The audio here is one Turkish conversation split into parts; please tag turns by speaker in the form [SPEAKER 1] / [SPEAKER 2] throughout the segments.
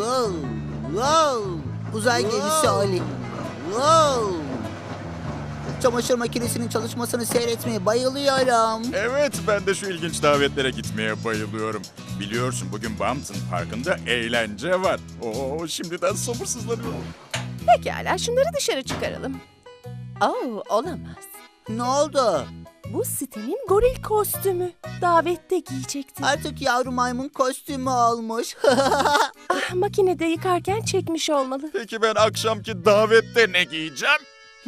[SPEAKER 1] Wow, wow. Uzay gemisi Ali. Wow. Çamaşır makinesinin çalışmasını seyretmeye bayılıyorum.
[SPEAKER 2] Evet, ben de şu ilginç davetlere gitmeye bayılıyorum. Biliyorsun bugün Bampton Parkı'nda eğlence var. Oo, şimdiden sabırsızlanıyorum.
[SPEAKER 3] Pekala, şunları dışarı çıkaralım. Olamaz.
[SPEAKER 1] Ne oldu?
[SPEAKER 3] Bu Sten'in goril kostümü. Davette giyecektim.
[SPEAKER 1] Artık yavru maymun kostümü olmuş.
[SPEAKER 3] Makinede yıkarken çekmiş olmalı.
[SPEAKER 2] Peki ben akşamki davette ne giyeceğim?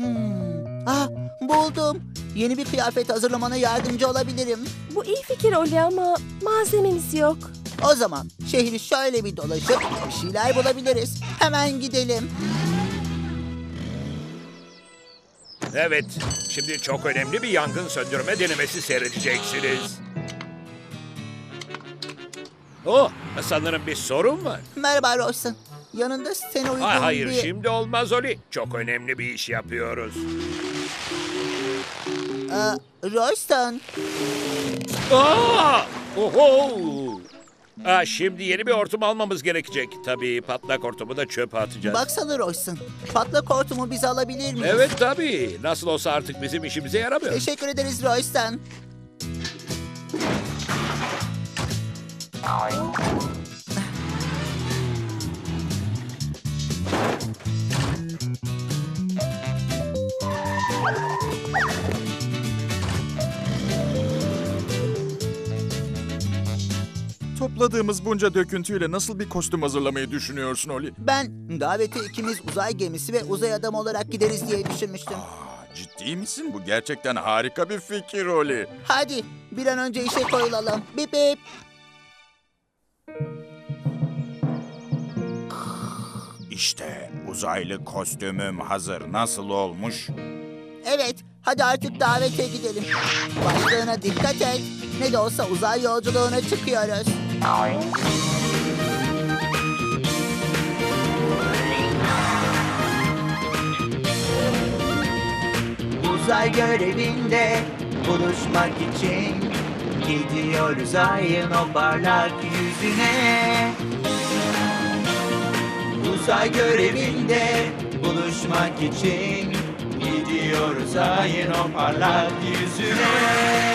[SPEAKER 1] Buldum. Yeni bir kıyafet hazırlamana yardımcı olabilirim.
[SPEAKER 3] Bu iyi fikir Oli ama malzememiz yok.
[SPEAKER 1] O zaman şehri şöyle bir dolaşıp bir şeyler bulabiliriz. Hemen gidelim.
[SPEAKER 4] Evet, şimdi çok önemli bir yangın söndürme denemesi seyredeceksiniz. Sanırım bir sorun var.
[SPEAKER 1] Merhaba Royston. Yanında Sten'e uygun
[SPEAKER 4] Hayır,
[SPEAKER 1] bir...
[SPEAKER 4] şimdi olmaz Oli. Çok önemli bir iş yapıyoruz.
[SPEAKER 1] Royston.
[SPEAKER 4] Oho! Şimdi yeni bir hortum almamız gerekecek. Tabii patlak hortumu da çöpe atacağız.
[SPEAKER 1] Baksana Royston. Patlak hortumu bize alabilir miyiz?
[SPEAKER 4] Evet tabii. Nasıl olsa artık bizim işimize yaramıyor.
[SPEAKER 1] Teşekkür ederiz Royston.
[SPEAKER 2] Topladığımız bunca döküntüyle nasıl bir kostüm hazırlamayı düşünüyorsun Oli?
[SPEAKER 1] Ben davete ikimiz uzay gemisi ve uzay adamı olarak gideriz diye düşünmüştüm.
[SPEAKER 2] Ciddi misin? Bu gerçekten harika bir fikir Oli.
[SPEAKER 1] Hadi bir an önce işe koyulalım. Bip bip.
[SPEAKER 2] İşte uzaylı kostümüm hazır. Nasıl olmuş?
[SPEAKER 1] Evet, hadi artık davete gidelim. Başlığına dikkat et. Ne de olsa uzay yolculuğuna çıkıyoruz. Uzay görevinde buluşmak için gidiyoruz ayın o parlak yüzüne. Uzay görevinde buluşmak için gidiyoruz ayın o parlak yüzüne.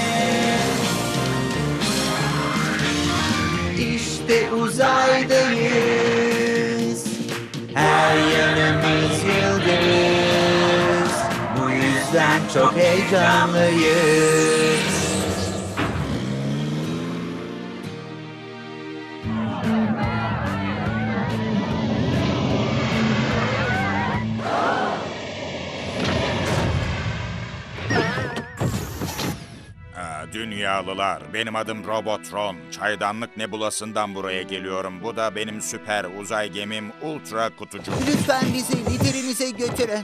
[SPEAKER 1] İşte uzaydayız, her yanımız yıldız. Bu yüzden çok heyecanlıyız.
[SPEAKER 2] Dünyalılar, benim adım Robotron. Çaydanlık Nebulası'ndan buraya geliyorum. Bu da benim süper uzay gemim Ultra Kutucu.
[SPEAKER 1] Lütfen bizi liderinize götürün.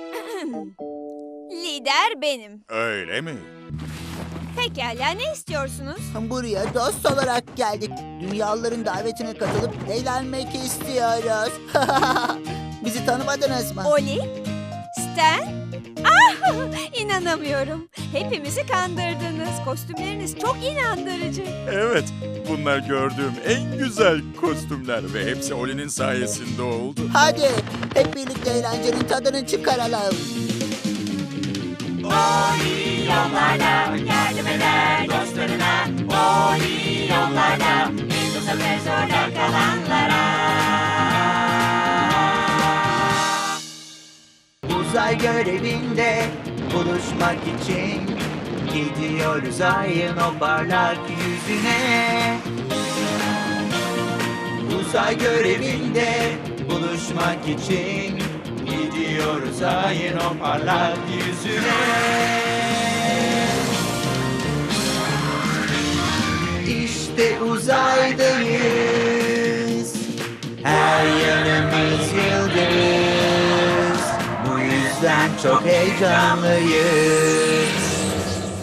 [SPEAKER 5] Lider benim.
[SPEAKER 2] Öyle mi?
[SPEAKER 5] Pekala, ne istiyorsunuz?
[SPEAKER 1] Buraya dost olarak geldik. Dünyalıların davetine katılıp eğlenmek istiyoruz. Bizi tanımadınız mı?
[SPEAKER 5] Oli? Stan? İnanamıyorum. Hepimizi kandırdınız. Kostümleriniz çok inandırıcı.
[SPEAKER 2] Evet, bunlar gördüğüm en güzel kostümler ve hepsi Oli'nin sayesinde oldu.
[SPEAKER 1] Hadi hep birlikte eğlencenin tadını çıkaralım.
[SPEAKER 6] Oli yollarda yardım eder dostlarına. Oli yollarda yıldızı ve zorda kalanlara.
[SPEAKER 1] Uzay görevinde buluşmak için gidiyoruz ayın o parlak yüzüne. Uzay görevinde buluşmak için gidiyoruz ayın o parlak yüzüne. İşte uzaydayız, her yanımız yıldız. Bu yüzden çok heyecanlıyız.